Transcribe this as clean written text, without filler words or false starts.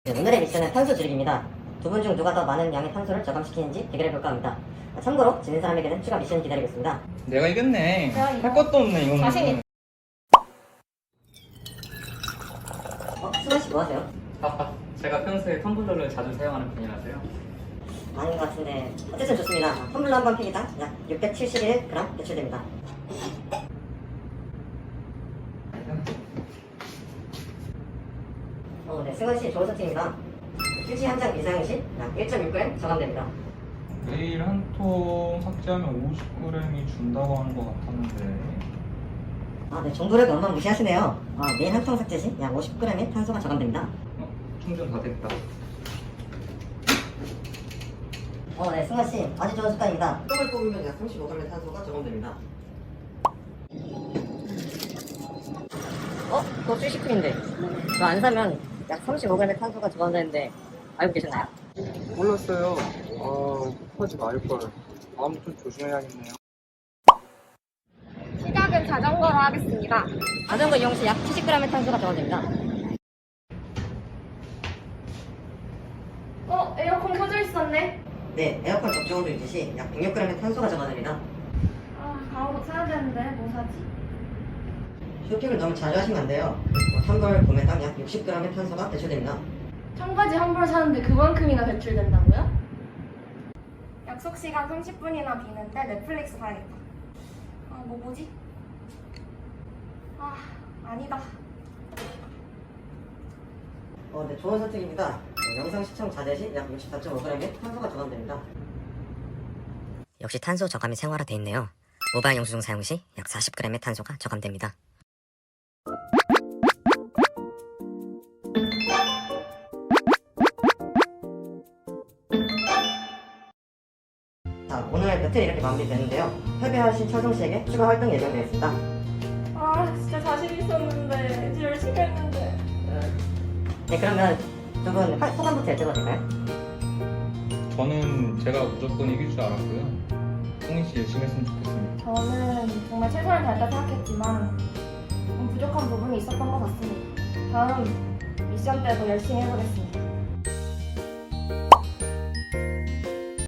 네, 오늘의 미션은 탄소 줄이기입니다. 두 분 중 누가 더 많은 양의 탄소를 저감시키는지 대결해 볼까 합니다. 참고로 지는 사람에게는 추가 미션이 기다리고 있습니다. 내가 이겼네. 내가 이거. 할 것도 없네 이거는. 자신 있- 수건씨 뭐 하세요? 제가 평소에 텀블러를 자주 사용하는 편이라서요. 아닌 것 같은데 어쨌든 좋습니다. 텀블러 한 번 팩이당 약 671g 배출됩니다. 네, 승원씨 좋은 선택입니다. 휴지 한 장 이상 시 약 1.6g 저감됩니다. 매일 한 통 삭제하면 50g이 준다고 하는 것 같았는데. 네, 정보를 너무 무시하시네요. 매일 한 통 삭제 시 약 50g의 탄소가 저감됩니다. 충전 다 됐다. 네, 승원씨 아주 좋은 습관입니다. 똥을 뽑으면 약 35g의 탄소가 저감됩니다. 그거 슈시크인데 이거 안 사면 약 35g의 탄소가 저감되는데 알고 계셨나요? 몰랐어요. 하지 말걸. 다음부터 좀 조심해야겠네요. 시작은 자전거로 하겠습니다. 자전거 이용 시 약 70g의 탄소가 저감됩니다. 에어컨 켜져 있었네. 네, 에어컨 적정온도 유지 시 약 106g의 탄소가 저감됩니다. 바로 사야 되는데 뭐 사지? 쇼핑을 너무 자주 하시면 안 돼요. 한 벌 구매당 약 60g의 탄소가 배출됩니다. 청바지 한 벌 사는데 그만큼이나 배출된다고요? 약속 시간 30분이나 비는데 넷플릭스 봐야겠다. 뭐지? 아니다. 네, 좋은 선택입니다. 영상 시청 자제 시 약 64.5g의 탄소가 저감됩니다. 역시 탄소 저감이 생활화돼 있네요. 모바일 영수증 사용 시 약 40g의 탄소가 저감됩니다. 자, 오늘 배틀 이렇게 마무리되는데요. 패배하신 철성 씨에게 추가 활동 예정되어 있습니다. 진짜 자신 있었는데 이제 열심히 했는데. 네, 그러면 두 분 소감부터 여쭤봐도 될까요? 저는 제가 무조건 이길 줄 알았고요. 홍인 씨 열심히 했으면 좋겠습니다. 저는 정말 최선을 다했다 생각했지만 좀 부족한 부분이 있었던 것 같습니다. 다음 미션 때도 열심히 해보겠습니다.